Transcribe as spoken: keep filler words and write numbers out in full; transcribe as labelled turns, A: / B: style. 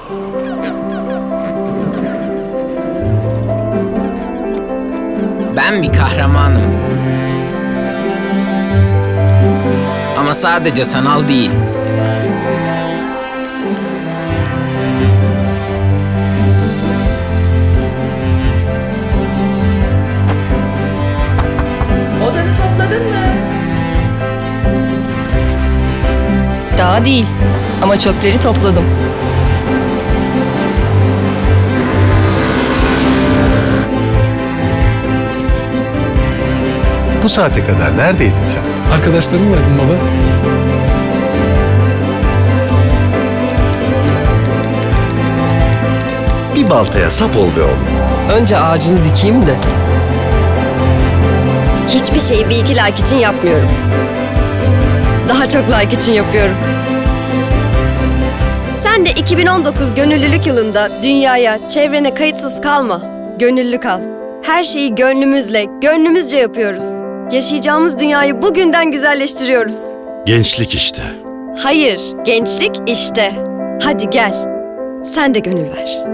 A: Ben bir kahramanım. Ama sadece sanal değil.
B: Odanı topladın mı?
C: Daha değil ama çöpleri topladım.
D: Bu saate kadar neredeydin sen?
E: Arkadaşlarımlaydım baba.
D: Bir baltaya sap ol be oğlum.
C: Önce ağacını dikeyim de.
F: Hiçbir şeyi bir iki like için yapmıyorum. Daha çok like için yapıyorum. Sen de iki bin on dokuz gönüllülük yılında dünyaya, çevrene kayıtsız kalma. Gönüllü kal. Her şeyi gönlümüzle, gönlümüzce yapıyoruz. Yaşayacağımız dünyayı bugünden güzelleştiriyoruz.
D: Gençlik işte.
F: Hayır, gençlik işte. Hadi gel. Sen de gönül ver.